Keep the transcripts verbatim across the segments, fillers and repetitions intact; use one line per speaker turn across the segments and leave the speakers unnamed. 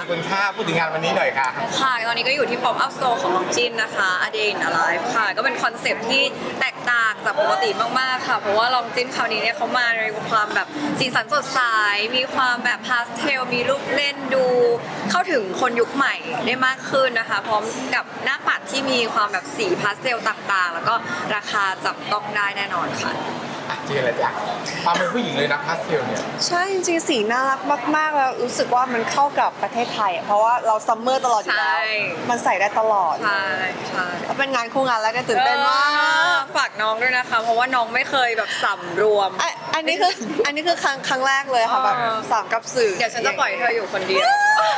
คุณค่าพูดถึงงานวันนี้หน่อยค่ะ
ค่ะตอนนี้ก็อยู่ที่ Pop Up Store ของน้องจินนะคะ A Day in a Life ค่ะก็เป็นคอนเซปต์ที่แตกต่างจากปกติมากๆค่ะเพราะว่าลองจินคราวนี้เนี่ยเขามาในความแบบสีสันสดใสมีความแบบพาสเทลมีรูปเล่นดู เข้าถึงคนยุคใหม่ได้มากขึ้นนะคะพร้อมกับหน้าปัดที่มีความแบบสีพาสเทลต่างๆ แล้วก็ราคาจับต้องได้แน่นอนค่ะ
เจออะไรจ้ะความเป็นผู้หญิงเลยนะพาสเทลเนี่ย
ใช่จริงๆสีน่ารักมากๆแล้วรู้สึกว่ามันเข้ากับประเทศไทยอะเพราะว่าเราซัมเมอร์ตลอดอยู่แล้วมันใส่ได้ตลอด
ใช่ใช่
แล้วเป็นงานคู่งานแล้วก็ตื่นเต้นมาก
ฝากน้องด้วยนะคะ เพราะว่าน้องไม่เคยแบบสำรวม
อ่ะอันนี้คืออันนี้คือครั้งครั้งแรกเลยค่ะแบบสามกับสื่อ
เดี๋ยวฉันจะปล่อยเธออยู่คนเดียว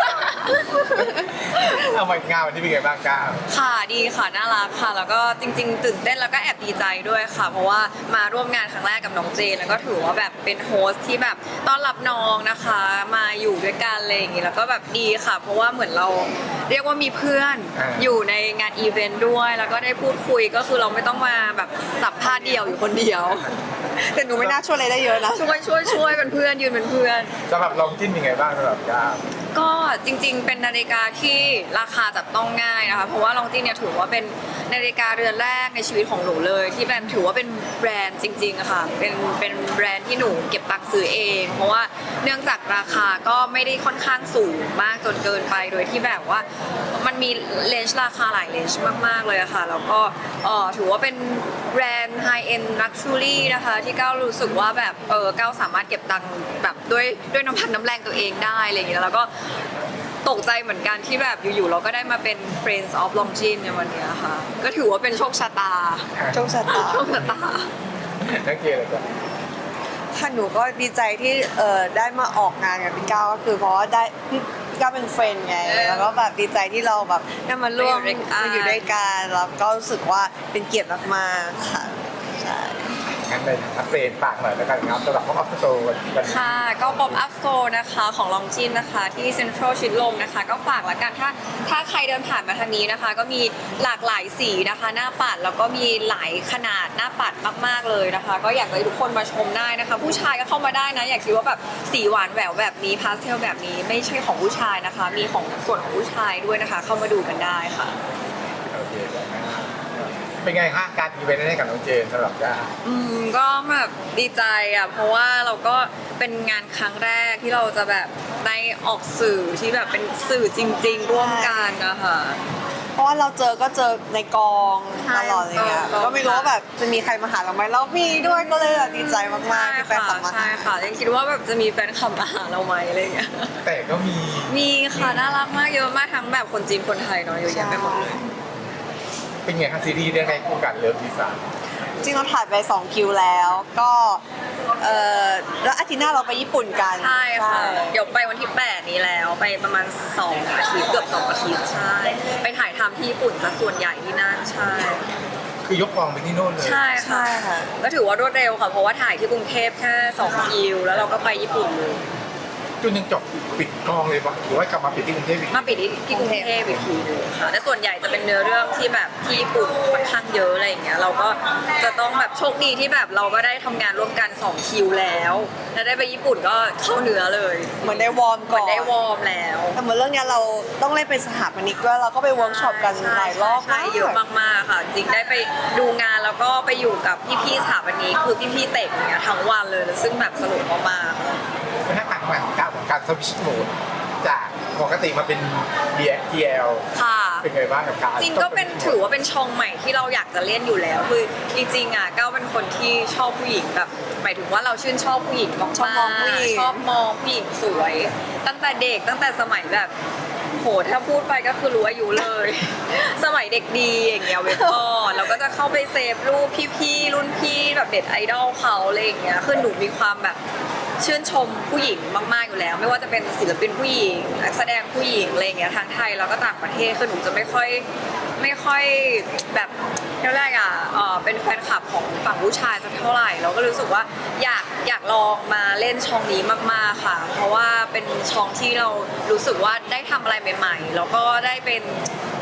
เอามางานวันนี้เป็นไงบ้างก้าว
ค่ะดีค่ะน่ารักค่ะแล้วก็จริงๆตื่นเต้นแล้วก็แอบดีใจด้วยค่ะเพราะว่ามาร่วมงานครั้งแรกกับน้องเจนแล้วก็ถือว่าแบบเป็นโฮสที่แบบต้อนรับน้องนะคะมาอยู่ด้วยกันอะไรอย่างงี้แล้วก็แบบดีค่ะ เพราะว่าเหมือนเราเรียกว่ามีเพื่อนอยู่ในงานอีเวนต์ด้วยแล้วก็ได้พูดคุยก็คือเราไม่ต้องมาแบบสัมภาษณ์เดียวอยู่คนเดียว
แต่หนูไม่น่าช่วยอะไรได้เยอะนะ
ช่วยช่วยช่วยเป็นเพื่อนยืนเป็นเพื่อน
สำหรับลองจิ้นเป็นไงบ้างสำหรับก้าว
ก็จริงๆเป็นนาฬิกาที่ราคาจับต้องง่ายนะคะเพราะว่าลองจินเนี่ยถือว่าเป็นนาฬิกาเรือนแรกในชีวิตของหนูเลยที่แบบถือว่าเป็นแบรนด์จริงๆอะค่ะเป็นเป็นแบรนด์ที่หนูเก็บตังค์ซื้อเอง เพราะว่าเนื่องจากราคาก็ไม่ได้ค่อนข้างสูงมากจนเกินไปโดยที่แบบว่ามันมีเลนส์ราคาหลายเลนส์มากๆเลยอะค่ะแล้วก็เอ่อถือว่าเป็นแบรนด์ไฮเอ็นลักชูรี่นะคะที่ก้าวรู้สึกว่าแบบเออก้าวสามารถเก็บตังค์แบบด้วยด้วยน้ำพันน้ำแรงตัวเองได้อะไรอย่างเงี้ยแล้วก็ตกใจเหมือนกันที่แบบอยู่ๆเราก็ได้มาเป็น Friends of Longines ในวันนี้ค่ะก็ถือว่าเป็นโชคชะตา
โชคชะตา
โชคชะตา
นักเกย์เลยจ้ะ
ค่ะหนูก็ดีใจที่เออได้มาออกงานกับพี่ก้าวก็คือเพราะว่าได้พี่ก้าวเป็นเฟรนด์ไงแล้วก็แบบดีใจที่เราแบบได้มาร่วมมาอยู่ด้วยกันแล้วก็รู้สึกว่าเป็นเกียรติมากๆค่ะใช่
งั้นเลยอัปเดตฝากหน่อยแล้วกันครับสำหรับ Pop Up Store วันนี้
ค่ะก็ Pop Up Store นะคะของลองจินนะคะที่เซ็นทรัลชิดลมนะคะก็ฝากละกันถ้าถ้าใครเดินผ่านมาทางนี้นะคะก็มีหลากหลายสีนะคะหน้าปัดแล้วก็มีหลายขนาดหน้าปัดมากๆเลยนะคะก็อยากให้ทุกคนมาชมได้นะคะผู้ชายก็เข้ามาได้นะอยากคิดว่าแบบสีหวานแหววแบบนี้พาสเทลแบบนี้ไม่ใช่ของผู้ชายนะคะมีของส่วนของผู้ชายด้วยนะคะเข้ามาดูกันได้ค่ะ
โอเคเป็นไงคะการอีเวนต์ให้กับน้องเจนสำหรับก้า
อืมก็แบบดีใจอ่ะเพราะว่าเราก็เป็นงานครั้งแรกที่เราจะแบบได้ออกสื่อที่แบบเป็นสื่อจริงๆร่วมกันนะคะ
เพราะว่าเราเจอก็เจอในกองตลอดเลยอ่ะก็ไม่รู้ว่าแบบจะมีใครมาหาเราไหมเรามีด้วยก็เลยดีใจมากๆที่แฟนคลับมา
ใช่ค่ะยังคิดว่าแบบจะมีแฟนคลับมาหาเราไหมอะไรเงี้ย
แต่ก็มี
มีค่ะน่ารักมากเยอะมากทั้งแบบคนจีนคนไทยเนาะเยอะแยะไปหมดเลย
เป็นไงคะซีรีส์เรื่องในคู่กันเลิฟดีไซน์
จริงเราถ่ายไปสองคิวแล้วก็เออแล้วอาทิตย์หน้าเราไปญี่ปุ่นกัน
ใช่ค่ะเดี๋ยวไปวันที่แปดนี้แล้วไปประมาณสองอาทิตย์เกือบสองอาทิตย์ใช่ไปถ่ายทำที่ญี่ปุ่นซะส่วนใหญ่ที่นั่นใช่
คือยกกองไปที่โน่นเลย
ใช่ค่ะก็ถือว่ารวดเร็วค่ะเพราะว่าถ่ายที่กรุงเทพแค่สองคิวแล้วเราก็ไปญี่ปุ่นเลย
จนยังจบปิดกองเลยปะหรือว่ากลับมาปิดที่กรุงเทพอีก
มาปิดที่กรุงเทพอีกทีนึงค่ะแต่ส่วนใหญ่จะเป็นเนื้อเรื่องที่แบบที่ญี่ปุ่นค่อนข้างเยอะอะไรอย่างเงี้ยเราก็จะต้องแบบโชคดีที่แบบเราก็ได้ทำงานร่วมกันสองคิวแล้วแล้วได้ไปญี่ปุ่นก็เข้าเนื้อเลย
เหมือนได้วอร์มก่อน
ได้วอร์มแล้ว
แต่เหมือนเรื่องนี้เราต้องเล่นเป็นสถาปนิกด้วยเราก็ไปเวิร์กช็อปกันหลายรอบ
มากเยอะมากๆค่ะจริงได้ไปดูงานแล้วก็ไปอยู่กับพี่ๆสถาปนิกคือพี่ๆเตะอย่างเงี้ยทั้งวันเลยซึ่งแบบสนุกมาก
ๆเป็นหน้าต่างใหม่ของการของการสวิชโหมดจากปกติมาเป็น ดี แอล
ค่ะ
เป็นไงบ้างกับการ
จริงก็เป็นถือว่าเป็นช่องใหม่ที่เราอยากจะเล่นอยู่แล้วคือจริงๆอ่ะก้าวเป็นคนที่ชอบผู้หญิงแบบหมายถึงว่าเราชื่นชอบผู้หญิงมากๆชอบมองผู้หญิงชอบมองผู้หญิงสวยตั้งแต่เด็กตั้งแต่สมัยแบบโหถ้าพูดไปก็คือรู้อายุเลยสมัยเด็กดีอย่างเงี้ยเว็บก่อนเราก็จะเข้าไปเซฟรูปพี่ๆรุ่นพี่แบบเด็ดไอดอลเขาอะไรอย่างเงี้ยคือหนูมีความแบบชื่นชมผู้หญิงมากๆอยู่แล้วไม่ว่าจะเป็นศิลปินผู้หญิงนักแสดงผู้หญิงอะไรอย่างเงี้ยทั้งไทยแล้วก็ต่างประเทศคือหนูจะไม่ค่อยไม่ค่อยแบบเท่าไหร่อ่ะเออเป็นแฟนคลับของฝั่งผู้ชายสักเท่าไหร่เราก็รู้สึกว่าอยากอยากลองมาเล่นช่องนี้มากๆค่ะเพราะว่าเป็นช่องที่เรารู้สึกว่าได้ทำอะไรใหม่ๆแล้วก็ได้เป็น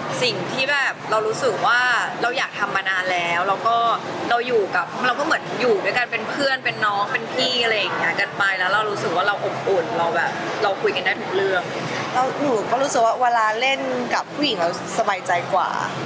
สิ่งที่แบบเรารู้สึกว่าเราอยากทำมานานแล้วแล้วก็เราอยู่กับเราก็เหมือนอยู่ด้วยกันเป็นเพื่อนเป็นน้องเป็นพี่อะไรอย่างเงี้ยกันไปแล้วเรารู้สึกว่าเราอบอุ่นเราแบบเราคุยกันได้ทุกเรื่อง
แล้วหนูก็รู้สึกว่าเวลาเล่นกับผู้หญิงเราสบายใจกว่า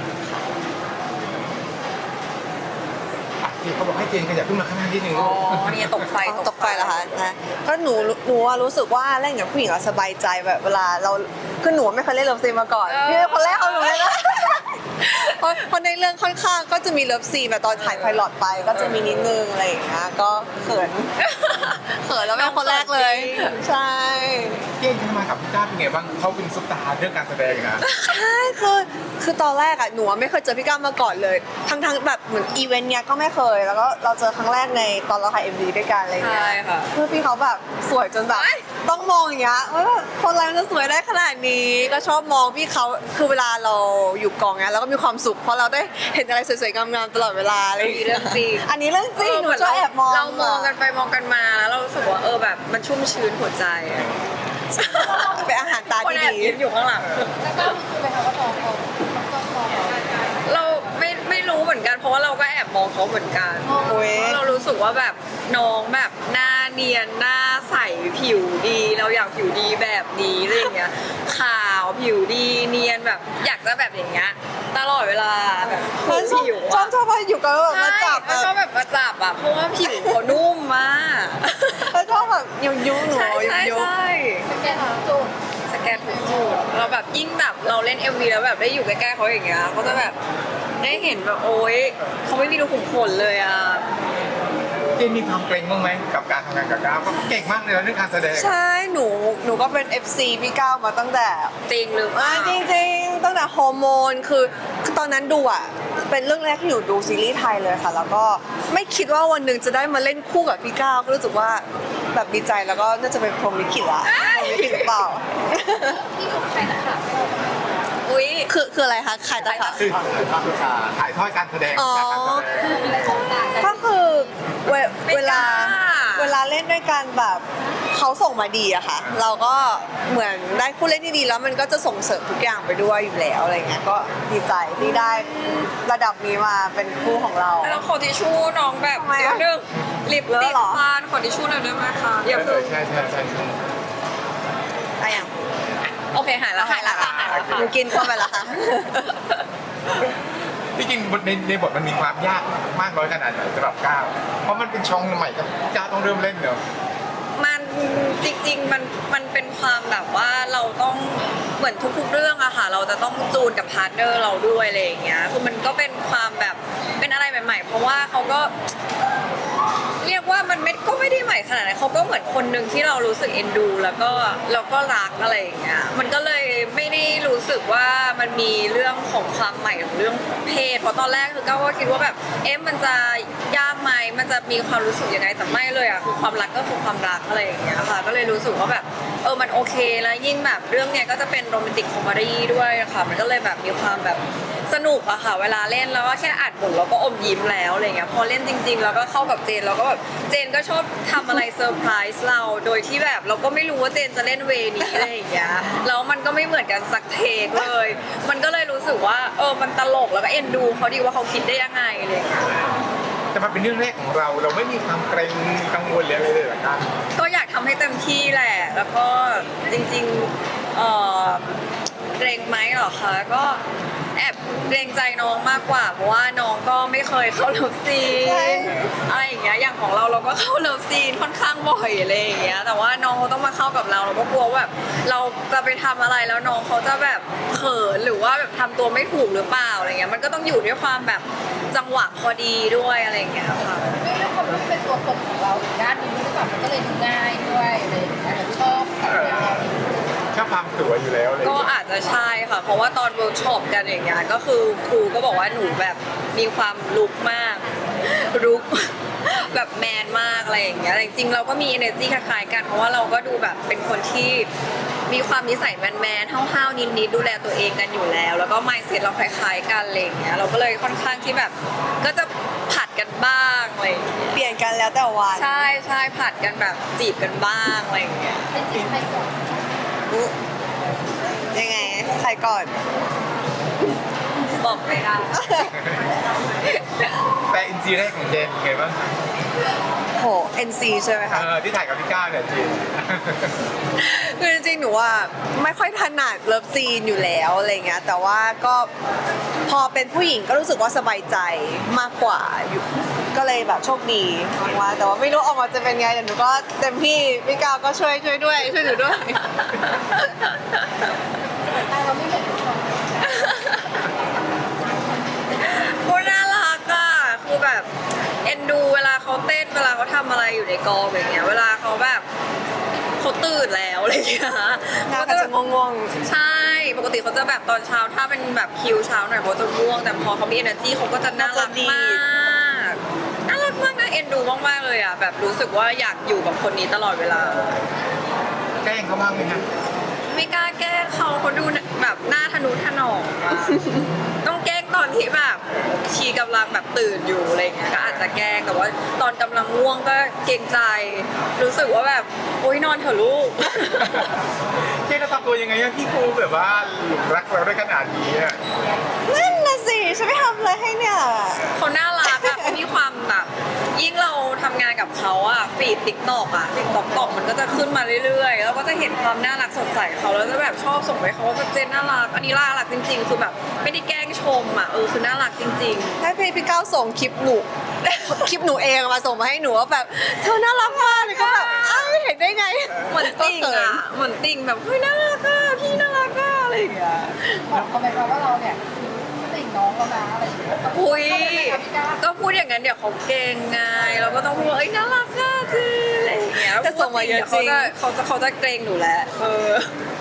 อ่ะที่เขาบอกให้เจนขยับขึ้นมาข้างหน้านิดนึง
อ๋
ลูก
อเนี่ยตกไฟ
ตกไฟเหรอคะนะก็หนูหนูว่ารู้สึกว่าเล่นกับผู้หญิงเราสบายใจแบบเวลาเราคือหนูไม่เคยเล่นเลิฟซีนมาก่อนพี่เป็นคนแรกเอาหนูเลยนะ เพราะเพราะในเรื่องค่อนข้างก็จะมีเลิฟซีนแบบตอนถ่ายไพลอตไปก็จะมีนิดนึงอะไรอย่างเงี้ยก็เขิน เขินแล้วเป็นคนแรกเลย ใช่
เจนทำงานกับพี่ก้าวเป็นไงบ้างเขาเป็นซุปตาร์เรื่องการแสดงนะ
ใช่คือคือตอนแรกอะหนูอะไม่เคยเจอพี่ก้าวมาก่อนเลย ทั้งทั้งแบบเหมือนอีเวนต์เนี้ยก็ไม่เคย แล้วก็เราเจอครั้งแรกในตอนเราถ่ายเอ็มวีด้วยกันอะไรอย่างเงี้ย
ใช่ค่ะ
เพื่อพี่เขาแบบสวยจนแบบ
เอ้ย
ต้องมองอย่างเงี้ยว่าแบบคนอะไรมันจะสวยได้ขนาดนี้ ก็ชอบมองพี่เขาคือเวลาเราอยู่กองเนี้ยเราก็มีความสุขเพราะเราได้เห็นอะไรสวยๆงามๆตลอดเวลาอะไรอย่าง
มี
เงี้ย
เรื่องจริง
อันนี้เรื่องจริงหนู
เหมือน
จะ
เรา
แอบมอง
เรามองกันไปมองกันมาแล้วเรารู้สึกว่าเออแบบมันชุ่มชื้นหัวใจอะ
เป็นอาหารตา
คน
ที่
แอบ
ดี
ยิ้มอยู่ข้างหลัง
แล้วก็คือไปทำว่าน้องเขาเขาชอบน้องเรา
เราไม่ไม่รู้เหมือนกันเพราะว่าเราก็แอบมองเขาเหมือนกัน
โอ้ย
เพราะเรารู้สึกว่าแบบน้องแบบหน้าเนียนหน้าใสผิวดี เราอยากผิวดีแบบนี้อะไรอย่างเงี้ยขาวผิวดีเนียนแบบอยากจะแบบอย่างเงี้ยตลอดเวลาแบบ
ชอบ
ผิว
ชอ
อะ
บชอบว่าอยู่กันแล้วแบบมา
ใช่
จับแบ
แล้วชอบบ แบบมาจับอะเพราะว่าผิวเขานุ่มมาก
แล้วชอบแบบยุยยุหนู
ใช่
ยุ
ใช่
ยุ
ใช่
สแกนจุด
สแกนทุกจุดเราแบบยิ่งแบบเราเล่น เอ็ม วี แล้วแบบได้อยู่ใกล้ๆเขาอย่างเงี้ยเขาจะแบบได้เห็นแบบโอ๊ยเขาไม่มีรูขุมขนเลยอ่ะ
เจนมีความเกรงบ้างไหมกับการทำงานกับก้าวเพราะเขาเก่งมากเลยนะเรื่องการแสดง
ใช่หนูหนูก็เป็น เอฟ ซี พี่ก้าวมาตั้งแต่
จริงหรือเป
อ่า
ล่า
จริงๆตั้งแต่ฮอร์โมนคือคือตอนนั้นดูอ่ะเป็นเรื่องแรกที่หนูดูซีรีส์ไทยเลยค่ะ แล้วก็ไม่คิดว่าวันหนึ่งจะได้มาเล่นคู่กับพี่ก้าวก็รู้สึกว่าแบบดีใจแล้วก็น่าจะเป็นพรหมลิขิตละพรหมลิขิตหรือเปล่า
ที่ดูใครนะคะไม่รู้
อุ้ย
คือคืออะไรคะขายตะขาบ
คือถ่ายทอดการแสดง
อ๋อ
จากการแสดง
มีอะไรของต่างกัน
ก็คือเว
ไม่
เวลา
กล้า
เวลาเล่นด้วยกันแบบเขาส่งมาดีอะค่ะ เราก็เหมือนได้คู่เล่นที่ดีแล้วมันก็จะส่งเสริมทุกอย่างไปด้วยอยู่แล้วอะไรเงี้ยก็ดีใจที่ได้ระดับนี้มาเป็นคู่ของเรา
แล้วขอทิชชู่น้องแบบ
ทำไมอะ
เดี๋ยวนึงลิป
เลอะ
ติด
เหรอ
ฟันขอทิชชู่หน่อยได้ไหมคะอย่าเพิ่ง
ใช่ใช่ใช่ใช่
อะไรอย่าง
โอเคหายแล้วหายแล้วค่ะหายแล้วค่ะ
หนูกินเข้าไปแล้วค่ะ
ที่จริงในในบทมันมีความยากมากน้อยขนาดไหนสำหรับก้าวเพราะมันเป็นช่องใหม่กับก้าวต้องเริ่มเล่นเนอะ
มันจริงๆมันมันเป็นความแบบว่าเราต้องเหมือนทุกๆเรื่องอะค่ะเราจะต้องจูนกับพาร์ทเนอร์เราด้วยอะไรอย่างเงี้ยคือมันก็เป็นความแบบเป็นอะไรใหม่ๆ เพราะว่าเขาก็ เรียกว่ามันไม่ก็ไม่ได้ใหม่ขนาดนั้นเขาก็เหมือนคนหนึ่งที่เรารู้สึกเอ็นดู แล้วก็แล้วก็รักอะไรอย่างเงี้ยมันก็เลยไม่ได้รู้สึกว่ามันมีเรื่องของความใหม่ของเรื่องเพศเพราะตอนแรกคือก้าวก็คิดว่าแบบเอ๊ะมันจะยากไหมมันจะมีความรู้สึกยังไงแต่ไม่เลยอ่ะคือความรักก็คือความรักอะไรอย่างเงี้ยค่ะก็เลยรู้สึกว่าแบบเออมันโอเคแล้วยิ่งแบบเรื่องเนี้ยก็จะเป็นโรแมนติกคอมเมดี้ด้วยอะค่ะมันก็เลยแบบมีความแบบสนุกอะค่ะเวลาเล่นแล้วก็แค่อัดบทเราก็อมยิ้มแล้วอะไรเงี้ยพอเล่นจริง ๆ แล้วก็เข้ากับเจนเราก็แบบเจนก็ชอบทำอะไรเซอร์ไพรส์เราโดยที่แบบเราก็ไม่รู้ว่าเจนจะเล่นเวนี้อะไรอย่างเงี้ยแล้วมันก็ไม่เหมือนกันสักเทคเลย มันก็เลยรู้สึกว่าเออมันตลกแล้วก็เอ็นดูเขาดีว่าเขาคิดได้ยังไงอะไรอย่างเงี้ย
แต่มันเป็นเรื่องแรกของเราเราไม่มีความเกรงกังวลหรืออะไรเลยเหรอครับ
ก็อยากทำให้เต็มที่แหละ แล้วก็จริงๆเอ่อเกรงไหมเหรอคะก็แอบเกรงใจน้องมากกว่า เพราะว่าน้องก็ไม่เคยเข้าเลิฟซี
ใช่
นอะไรอย่างเงี้ยอย่างของเราเราก็เข้าเลิฟซีนค่อนข้างบ่อยอะไรอย่างเงี้ยแต่ว่าน้องเขาต้องมาเข้ากับเราเราก็กลัวว่าแบบเราจะไปทำอะไรแล้วน้องเขาจะแบบเขินหรือว่าแบบทำตัวไม่ถูกหรือเปล่าอะไรเงี้ยมันก็ต้องอยู่ด้วยความแบบจังหวะพอดีด้วยอะไรอย่างเงี้ยค่ะ
ด้วยด้วยความที่เป็นตัวตนของเราอีกด้านหนึงด้วยแบบมันก็เลยดูง่ายด้วยอะไรอย่างเงี้ยชอบแบบแนวนี้
ชอบความสวยอยู่แล้วเลย
ก็อาจจะใช่ค่ะ เพราะว่าตอนเวิร์กช็อปกันอย่างเงี้ยก็คือครูก็บอกว่าหนูแบบมีความลุกมากลุก แบบแมนมากอะไรอย่างเงี้ยแต่จริงๆเราก็มี energy คล้ายๆกันเพราะว่าเราก็ดูแบบเป็นคนที่มีความนิสัยแมนๆห้าวๆนิดๆดูแลตัวเองกันอยู่แล้ว แล้วก็ mindset เราคล้ายๆกันอะไรอย่างเงี้ยเราก็เลยค่อนข้างที่แบบก็จะผัดกันบ้างอะไรอย่างเงี้ย
เปลี่ยนกันแล้วแต่วัน
ใช่ใช่ผัดกันแบบจีบกันบ้างอะไรอย่างเงี้ย
เป็นจริงใครก่อน
อุ๊ยยังไงใครก่อน
บอกไม่ได้
แต่อินซีแรกของเจนเป็นไงบ้างคะ
โห เอ็น ซี ใช่ไหม
เอ
คะ
อที่ถ่ายกับพี่ก้าวเนี่ยเจน
คือจริงๆ หนูว่าไม่ค่อยถนัดเลิฟซีนอยู่แล้วอะไรเงี้ย แต่ว่าก็พอเป็นผู้หญิงก็รู้สึกว่าสบายใจมากกว่าอยู่ ก็เลยแบบโชคดีมากๆแต่ว่าไม่รู้ออกมาจะเป็นไงแต่หนูก็เต็มที่พี่ก้าวก็ช่วยช่วยด้วยช่วยหนูด้วย
แต่เราไม่เห็นทุกคน
พูดน่ารักอ่ะคือแบบเอ็นดูเวลาเขาเต้นเวลาเขาทำอะไรอยู่ในกองอย่างเงี้ยเวลาเขาแบบเขาตื่นแล้วอะไรอย่างเงี้ย
หน้าเขาจะง่วง
ใช่ปกติเขาจะแบบตอนเช้าถ้าเป็นแบบคิวเช้าหน่อยเขาจะง่วงแต่พอเขามี energy เขาก็จะน่ารักมากน่ารักมากนะเอ็นดูมากๆเลยอ่ะแบบรู้สึกว่าอยากอยู่กับคนนี้ตลอดเวลา
แกล้งเขาบ้างไหมคะ
ไม่กล้าแกล้งเขาเขาดูแบบหน้าทะนุถนอมอะต้องแกล้งตอนที่แบบชีกำลังแบบตื่นอยู่อะไรเงี้ยก็อาจจะแกล้งแต่ว่าตอนกำลังง่วงก็เกรงใจ รู้สึกว่าแบบโอ๊ยนอนเถอะลูก
เจนจะทำตัวยังไงอะพี่ครูแบบว่าหลงรักเราได้ขนาดนี้อะ
ๆนั่นน่ะสิฉันไม่ทำอะไรให้เนี่ย
เขาน่ารักอะเขามีความแบบยิ่งเราทำงานกับเขาอะฟีดติ๊กตอกอะติ๊กตอกตอกมันก็จะขึ้นมาเรื่อยๆ แล้วก็จะเห็นความน่ารักสดใสเขาแล้วจะแบบชอบส่งไปเขาว่าเจนน่ารักอันนี้น่ารักจริงๆ คือแบบไม่ได้แกล้งชมอะเออคือน่ารักจริงๆ
ให้พี่พี่ก้าวส่งคลิปหนู คลิปหนูเองมาส่งมาให้หนูว่าแบบเธอน่ารักมากเลยก็แบบอ้าวเห็นได้ไง
เหมือนติ่ง
ก็เขิ
อ่ะ เหมือนติ่งแบบเฮ้ยน่ารักอ่ะพี่น่ารักอ่ะอะไรอย่างเงี้ย
บอกเขาไหมคะว่าเราเนี่ยติ่งน้องแล้วนะอะไรอย่างเงี้ย
อุ้ย
เขาไม่ได้ครับพี่ก้าว
ก็พูดอย่างนั้นเดี๋ยวเขาเก่งไงเราก็ต้องพูดว่าเอ้ยน่ารักอ่ะจีอะไรอย่างเงี้ย
แต่ส่งมาเยอะจริง
ดี๋วเขาจะเขาจะเขาจะเกรงหนูแหละเออ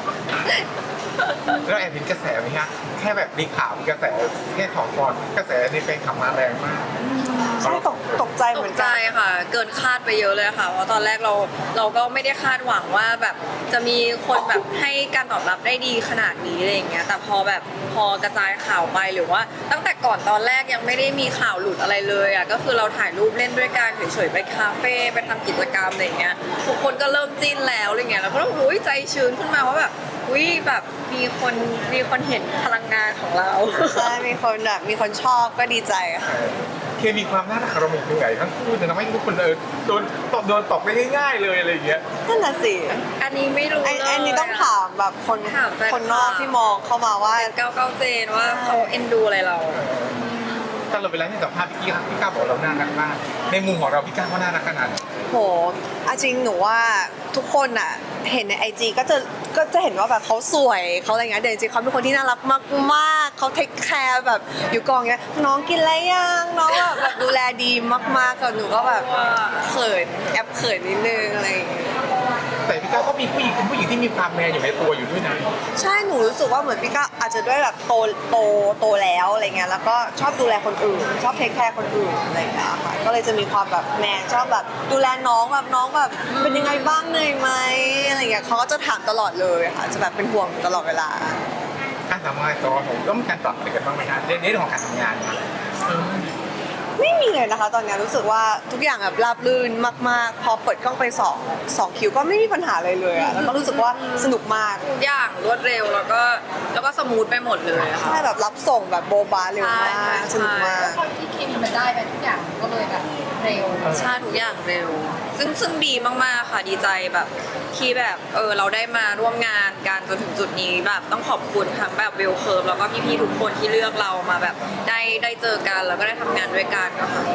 แล้วแอบเห็นกระแสไหมฮะแค่แบบมีข่าวมีกระแสแค่ถอดก่อนกระแสในแฟนคลับมาแรงมาก
ใช่ตกตกใจ
ต
เหมื
ก
อน
ใจ
กัน
ค่ะ เกินคาดไปเยอะเลยค่ะเพราะตอนแรกเราเราก็ไม่ได้คาดหวังว่าแบบจะมีคนแบบให้การตอบรับได้ดีขนาดนี้อะไรอย่างเงี้ยแต่พอแบบพอกระจายข่าวไปหรือว่า ตั้งแต่ก่อนตอนแรกยังไม่ได้มีข่าวหลุดอะไรเลยอ่ะก็คือเราถ่ายรูปเล่นด้วยกันเฉยๆไปคาเฟ่ไปทำกิจกรรมอะไรอย่างเงี้ยทุกคนก็เริ่มจิ้นแล้วอะไรเงี้ยแล้วก็อุ้ยใจชื้นขึ้นมาว่าแบบอุ้ยแบบมีคนมีคนเห็นพลังงานของเรา
ใช่มีคนแบบมีคนชอบก็ดีใจค่ะ
เคมีความน่ารักของเราเป็นยังไงทั้งคู่จะทำให้ทุกคนเออโดนตบโดนตบได้ง่ายๆเลยอะไรอย่างเงี้ย
นั่นน่ะสิ
อันนี้ไม่รู้
ไอ้
เลย
ไอ้นี่ต้องถามแบบคน
ถามแฟน
คนนอกที่มองเข้ามาว่า
เก้าเก้าเจนว่าเขาเอ็นดูอะไรเรา
ตลอดเวลาที่สัมภาษณ์พี่กี้พี่ก้าวบอกเราน่ารักมากในมุมของเราพี่ก้าวก็น่ารักขนาดไหน
โหเอาจริงหนูว่าทุกคนอ่ะเห็นในไอจีก็จะก็จะเห็นว่าแบบเขาสวยเขาอะไรเงี้ยแต่จริงๆเขาเป็นคนที่น่ารักมากๆเขาเทคแคร์แบบอยู่กองเงี้ยน้องกินอะไรยังน้องแบบแบบดูแลดีมากๆกับหนูก็แบบเขินแอบเขินนิดนึงอะไรอย่างเงี้ย
แต่พี่ก้าวก็มีผู้หญิงเป็นผู้หญิงที่มีความแมนอยู่ในตัวอยู่ด้วยนะ
ใช่หนูรู้สึกว่าเหมือนพี่ก็อาจจะด้วยแบบโตโตโตแล้วอะไรเงี้ยแล้วก็ชอบดูแลคนอื่น ชอบเทคแคร์คนอื่นอะไรอย่างเงี้ยค่ะก็เลยจะมีความแบบแมนชอบแบบดูแลน้องแบบน้องแบบเป็นยังไงบ้างเหนื่อยไหมอะไรเงี้ยเขาก็จะถามตลอดเลยค่ะจะแบบเป็นห่วงตลอดเวลา
การทำงานตัวผมต้องมีการปรับอะไรกันบ้างไหมครับในเรื่องของการทำงานเนี่ยเออ
ไม่มีเลยนะคะ ตอนนี้รู้สึกว่าทุกอย่างแบบราบรื่นมากๆ พอเปิดกล้องไปสองสองคิวก็ไม่มีปัญหาอะไรเลยอะแล้วก็รู้สึกว่าสนุกมาก
ทุกอย่างรวดเร็วแล้วก็แล้วก็สมูทไปหมดเลยอะค่ะ
ใช่แบบรับส่งแบบโบบาเร็วมาก
ใช่
สนุกมาก
คนที่เคมีมันได้ไปทุกอย่างมันก็เลยแบบเร็ว
ใช่ทุกอย่างเร็ว ซึ่งซึ่งดีมากๆค่ะดีใจแบบที่แบบเออเราได้มาร่วมงานกันจนถึงจุดนี้แบบต้องขอบคุณทั้งแบบเวลเคิร์ฟแล้วก็พี่ๆทุกคนที่เลือกเรามาแบบได้ได้เจอกันแล้วก็ได้ทำงานด้วยกันก็ค่ะ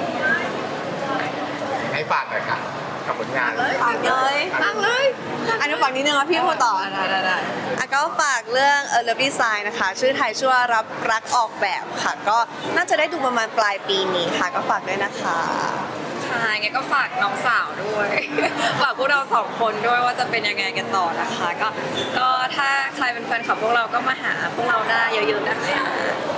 ให้ฝากหน่อยค่ะกับผลงาน
ฝากเลย
ตั้งเลย
อันนี้ฝั่งนี้นึงแล้วพี่พูดต่อ
ได้ได้ได้
อ่ะก็ฝากเรื่องเออ Love Design นะคะ ชื่อไทยชื่อว่ารับรักออกแบบค่ะ ก็น่าจะได้ดูประมาณปลายปีนี้ค่ะ ก็ฝากด้วยนะคะ
ค่ะงั้นก็ฝากน้องสาวด้วย ฝากพวกเราสองคนด้วยว่าจะเป็นยังไงกันต่อนะคะ ก็ก็ถ้าใครเป็นแฟนคลับพวกเราก็มาหาพวกเราได้เยอะๆนะคะ